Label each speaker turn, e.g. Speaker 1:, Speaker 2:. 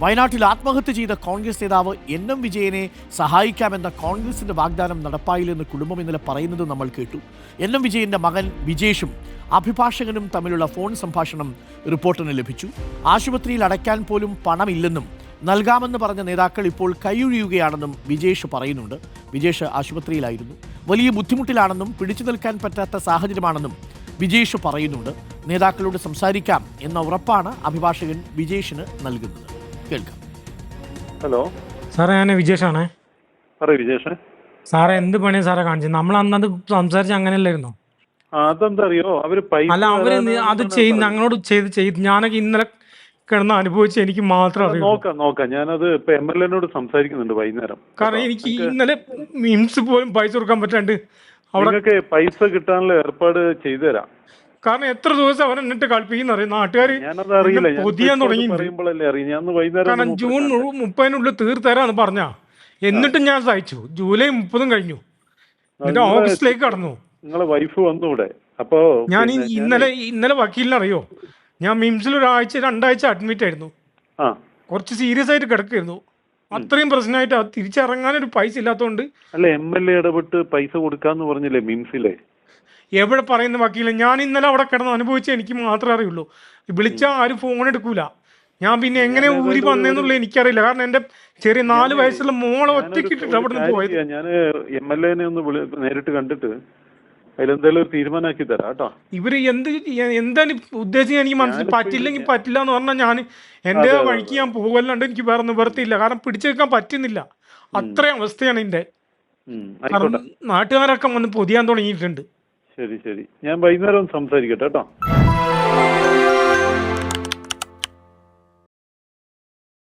Speaker 1: വയനാട്ടിൽ ആത്മഹത്യ ചെയ്ത കോൺഗ്രസ് നേതാവ് എൻ വിജയനെ സഹായിക്കാമെന്ന കോൺഗ്രസിന്റെ വാഗ്ദാനം നടപ്പായില്ലെന്ന് കുടുംബം ഇന്നലെ പറയുന്നത് നമ്മൾ കേട്ടു. എൻ വിജയന്റെ മകൻ വിജേഷും അഭിഭാഷകനും തമ്മിലുള്ള ഫോൺ സംഭാഷണം റിപ്പോർട്ടിന് ലഭിച്ചു. ആശുപത്രിയിൽ അടയ്ക്കാൻ പോലും പണമില്ലെന്നും നൽകാമെന്ന് പറഞ്ഞ നേതാക്കൾ ഇപ്പോൾ കൈയൊഴിയുകയാണെന്നും വിജേഷ് പറയുന്നുണ്ട്. വിജേഷ് ആശുപത്രിയിലായിരുന്നു, വലിയ ബുദ്ധിമുട്ടിലാണെന്നും പിടിച്ചു നിൽക്കാൻ പറ്റാത്ത സാഹചര്യമാണെന്നും വിജേഷ് പറയുന്നുണ്ട്. നേതാക്കളോട് സംസാരിക്കാം എന്ന ഉറപ്പാണ് അഭിഭാഷകൻ വിജേഷിന് നൽകുന്നത്. കേൾക്കാം.
Speaker 2: ഹലോ
Speaker 3: സാറേ, ഞാൻ വിജേഷാണേ.
Speaker 2: പറയൂ വിജേഷ്.
Speaker 3: സാറേ, എന്ത് പണിയാ സാറേ കാണിച്ചത്? നമ്മൾ അന്നത് സംസാരിച്ച് അങ്ങനെയല്ലായിരുന്നോ?
Speaker 2: അതെന്താ അറിയോ, അവര് പൈസ
Speaker 3: അല്ല, അവര് അത് ചെയ്ത് ഞങ്ങളോട് ചെയ്ത് ഞാനൊക്കെ ഇന്നലെ കിടന്ന് അനുഭവിച്ച് എനിക്ക് മാത്രം അറിയാം.
Speaker 2: നോക്കാം ഞാനത് ഇപ്പൊ MLA-നോട് സംസാരിക്കുന്നുണ്ട് വൈകുന്നേരം.
Speaker 3: കാരണം എനിക്ക് ഇന്നലെ മിംസ് പോലും പൈസ കൊടുക്കാൻ പറ്റാണ്ട്
Speaker 2: അവിടെ പൈസ കിട്ടാനുള്ള ഏർപ്പാട് ചെയ്തു തരാം.
Speaker 3: കാരണം എത്ര ദിവസം അവൻ എന്നിട്ട് കളിപ്പിക്കുന്ന അറിയാം നാട്ടുകാര്.
Speaker 2: ഞാനത് അറിയില്ല,
Speaker 3: പൊതിയാൻ തുടങ്ങി.
Speaker 2: പറയുമ്പോഴല്ലേ അറിയാം. ഞാൻ വൈകുന്നേരം
Speaker 3: കാരണം ജൂൺ 30-നുള്ളിൽ തീർത്തരാന്ന് പറഞ്ഞാ, എന്നിട്ടും ഞാൻ സഹിച്ചു. ജൂലൈ 30 കഴിഞ്ഞു, എന്നിട്ട് ഓഗസ്റ്റിലേക്ക് കടന്നു.
Speaker 2: നിങ്ങളെ വൈഫ് വന്നു ഇവിടെ. അപ്പോ
Speaker 3: ഞാൻ ഇന്നലെ വക്കീലിനറിയോ, ഞാൻ മിംസിൽ 2 ആഴ്ച അഡ്മിറ്റ് ആയിരുന്നു. കുറച്ച് സീരിയസ് ആയിട്ട് കിടക്കായിരുന്നു. അത്രയും പ്രശ്നമായിട്ട് തിരിച്ചിറങ്ങാനൊരു പൈസ ഇല്ലാത്തതുകൊണ്ട്.
Speaker 2: അല്ല, MLA ഇടപെട്ട് പൈസ കൊടുക്കാന്ന് പറഞ്ഞില്ലേ മിംസിലെ?
Speaker 3: എവിടെ പറയുന്ന വക്കീല? ഞാൻ ഇന്നലെ അവിടെ കിടന്ന് അനുഭവിച്ച എനിക്ക് മാത്രമേ അറിയുള്ളൂ. വിളിച്ചാൽ ആരും ഫോൺ എടുക്കൂല. ഞാൻ പിന്നെ എങ്ങനെ ഊരി വന്നേന്നുള്ളത് എനിക്കറിയില്ല. കാരണം എന്റെ ചെറിയ 4 വയസ്സുള്ള മോളെ ഒറ്റയ്ക്കിട്ടിട്ട് അവിടെ നിന്ന് പോയത്.
Speaker 2: ഞാൻ MLA-നെ ഒന്ന് നേരിട്ട് കണ്ടിട്ട് അതിലെന്തായാലും ഒരു തീരുമാനമാക്കി തരാം കേട്ടോ.
Speaker 3: ഇവര് എന്താണ് ഉദ്ദേശിച്ചത് എനിക്ക് മനസ്സിൽ പറ്റില്ലെങ്കിൽ പറ്റില്ല എന്ന് പറഞ്ഞാൽ ഞാൻ എന്റെ വഴിക്ക് ഞാൻ പോകുമല്ലാണ്ട് എനിക്ക് വേറെ നിവർത്തിയില്ല. കാരണം പിടിച്ചു വെക്കാൻ പറ്റുന്നില്ല, അത്രയും അവസ്ഥയാണ് എന്റെ. കാരണം നാട്ടുകാരൊക്കെ വന്ന് പൊതിയാൻ തുടങ്ങിയിട്ടുണ്ട്.
Speaker 2: ശരി, ഞാൻ വൈകുന്നേരം സംസാരിക്കട്ടെ കേട്ടോ.